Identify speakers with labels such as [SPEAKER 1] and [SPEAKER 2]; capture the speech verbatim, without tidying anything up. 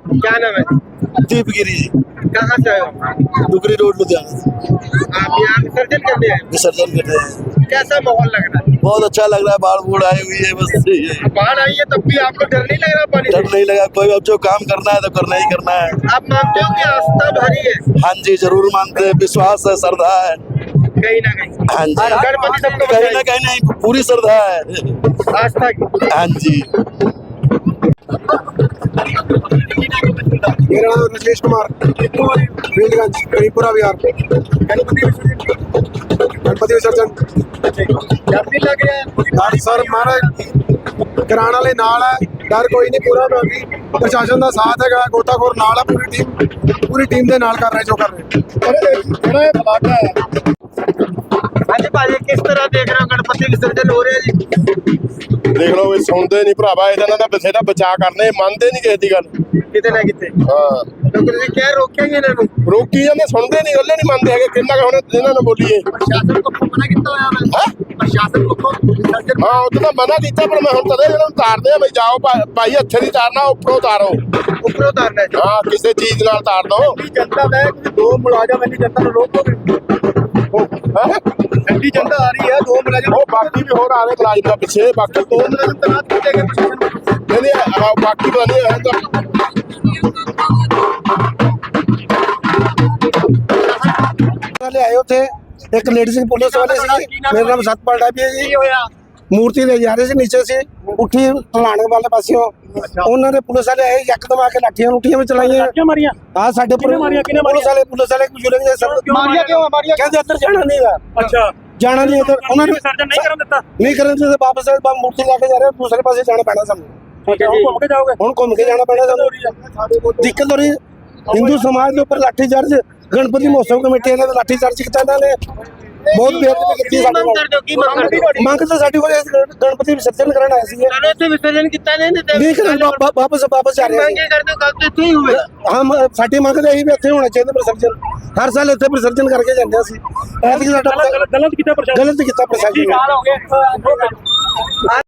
[SPEAKER 1] क्या नाम है?
[SPEAKER 2] दीपगिरी जी,
[SPEAKER 1] कहाँ से आए हो?
[SPEAKER 2] डुगरी रोड लुधियाना से
[SPEAKER 1] आप यहाँ विसर्जन करने आए हो?
[SPEAKER 2] विसर्जन कर रहे हैं।
[SPEAKER 1] कैसा माहौल लग रहा है?
[SPEAKER 2] बहुत अच्छा लग रहा है, बाढ़ बूढ़ आई हुई है, बस ये
[SPEAKER 1] बाढ़ आई है तब भी आपको डर नहीं लग रहा पानी
[SPEAKER 2] डर
[SPEAKER 1] से?
[SPEAKER 2] नहीं लगा। कोई अब जो काम करना है तो करना ही करना है।
[SPEAKER 1] आप मानते हो कि आस्था भरी है
[SPEAKER 2] हाँ जी, जरूर मानते हैं, विश्वास है, श्रद्धा है।
[SPEAKER 1] कहीं ना कहीं?
[SPEAKER 2] हाँ जी,
[SPEAKER 1] गणपति सबको
[SPEAKER 2] कहीं ना कहीं नहीं, पूरी श्रद्धा है।
[SPEAKER 1] आस्था की।
[SPEAKER 2] हाँ जी।
[SPEAKER 3] मेरा नाम राजेश कुमार, फील्डगंज, करीपुरा बिहार।
[SPEAKER 1] गणपति विसर्जन
[SPEAKER 3] गणपति विसर्जन
[SPEAKER 1] डर नहीं लग रहा है?
[SPEAKER 3] डर सर महाराज कराने वाले नाल है, डर कोई नहीं, पूरा बाकी प्रशासन का साथ है, गोताखोर नाल है, पूरी टीम पूरी टीम के नाल कर रहे जो कर रहे।
[SPEAKER 1] हाँ जी भाजी, किस तरह देख रहे हो गणपति विसर्जन हो रहे हैं जी?
[SPEAKER 4] देख लो ये सुनते नहीं भरावा, ਇਹਨਾਂ ਦਾ ਬਥੇਰਾ ਬਚਾ ਕਰਨੇ, ਮੰਨਦੇ ਨਹੀਂ ਕਿਸੇ ਦੀ ਗੱਲ।
[SPEAKER 1] कितने ना कितने
[SPEAKER 4] ਹਾਂ
[SPEAKER 1] तो कितने क्या रोकेंगे इन्होंने?
[SPEAKER 4] ਰੋਕੀ ਜਾਂਦੇ, ਸੁਣਦੇ ਨਹੀਂ, ਗੱਲੇ ਨਹੀਂ ਮੰਨਦੇ ਹੈਗੇ। ਕਿੰਨਾ ਕੁ ਹੁਣ ਇਹਨਾਂ ਨੂੰ ਬੋਲੀਏ।
[SPEAKER 1] प्रशासन को मना किया हुआ है?
[SPEAKER 4] ਹੈਂ?
[SPEAKER 1] प्रशासन को विसर्जन
[SPEAKER 4] ਹਾਂ ਉਹ ਤਾਂ ਮਨਾ ਕੀਤਾ, ਪਰ ਮੈਂ ਹੁਣ ਤਦੇ ਇਹਨਾਂ ਨੂੰ ਤਾਰਦੇ ਆ ਬਈ ਜਾਓ ਭਾ- ਭਾਈ ਹੱਥੇ ਨਹੀਂ ਤਾਰਨਾ, ਉੱਪਰੋਂ ਤਾਰੋ।
[SPEAKER 1] ऊपर उतारना है।
[SPEAKER 4] ਹਾਂ ਕਿਸੇ ਚੀਜ਼ ਨਾਲ ਤਾਰ ਦੋ।
[SPEAKER 1] जनता है कि दो मुलाजम है, जनता को रोकोगे?
[SPEAKER 4] ਹੈਂ?
[SPEAKER 1] ठंडी जनता आ रही है, दो मुलाजम
[SPEAKER 4] ਉਹ ਬਾਕੀ ਵੀ ਹੋਰ ਆ ਰਹੇ ਮੁਲਾਜ਼ਮ ਦਾ ਪਿੱਛੇ, ਬਾਕੀ
[SPEAKER 1] दो मुलाजम तैनात किए गए प्रशासन को।
[SPEAKER 4] ਨਹੀਂ ਨਹੀਂ ਆਹ ਬਾਕੀ ਪਤਾ ਨਹੀਂ ਹੈ ਤਾਂ
[SPEAKER 3] वाले आए थे, एक लेडीज पुलिस वाले सी, मेरा नाम सतपाल डाबी है जी। मूर्ति ले जा रहे थे नीचे से, उठी ढलाने वाले पासियों उन्होंने पुलिस वाले आए, यकदम आके लाठियां लुठियां में चलाइया। हाँ साडे पुलिस वाले पुलिस वाले बुजुर्ग ने सब
[SPEAKER 1] मारिया क्यों? मारिया
[SPEAKER 3] कहते अंदर जाना नहीं है,
[SPEAKER 5] अच्छा
[SPEAKER 3] जाना नहीं है। उन्होंने
[SPEAKER 5] नहीं करन दिता
[SPEAKER 3] नहीं करने से वापस मूर्ति लेके जा रहे हैं, दूसरे पासे जाना पैना सामने।
[SPEAKER 5] ठीक है घूम के जाओगे
[SPEAKER 3] ਹੁਣ ਘੁੰਮ ਕੇ ਜਾਣਾ ਪੈਣਾ ਸਾਨੂੰ, ਦਿੱਕਤ ਹੋ ਰਹੀ ਹੈ। ਹਿੰਦੂ ਸਮਾਜ ਦੇ ਉੱਪਰ ਲਾਠੀ ਚਾਰਜ, ਗਣਪਤੀ ਮਹੋਤਸਵ ਕਮੇਟੀ ਨੇ ਲਾਠੀ ਚਾਰਜ ਕੀਤਾ, ਇਹਨਾਂ ਨੇ ਬਹੁਤ ਬੇਅਦਬੀ ਕੀਤੀ ਸਾਡੇ
[SPEAKER 1] ਮੰਗ ਕਰਦੇ ਹੋ? ਕੀ ਮੰਗ ਕਰਦੇ ਹੋ?
[SPEAKER 3] ਮੰਗ ਤਾਂ ਸਾਡੀ ਕੋਲ ਗਣਪਤੀ ਵਿਸਰਜਨ ਕਰਨ ਆਏ ਸੀਗੇ,
[SPEAKER 1] चलो से विसर्जन किया नहीं नहीं
[SPEAKER 3] ਨਹੀਂ ਕਰਨ ਵਾ- ਵਾ- ਵਾਪਸ ਵਾਪਸ ਜਾ ਰਹੇ
[SPEAKER 1] मांगे करते हो कल तो इतने ही हुए।
[SPEAKER 3] ਸੀ। ਹਮ ਸਾਡੀ ਮੰਗ ਤਾਂ ਇਹੀ ਵੀ ਇੱਥੇ ਹੋਣਾ ਚਾਹੀਦਾ ਵਿਸਰਜਨ, ਹਰ ਸਾਲ ਇੱਥੇ ਵਿਸਰਜਨ ਕਰਕੇ ਜਾਂਦੇ ਅਸੀਂ। ਐਤਕੀ ਸਾਡਾ
[SPEAKER 5] गलत गलत किया प्रशासन
[SPEAKER 3] ਗਲਤ ਕੀਤਾ ਪ੍ਰਸ਼ਾਸਨ ਨੇ।
[SPEAKER 1] साल हो गए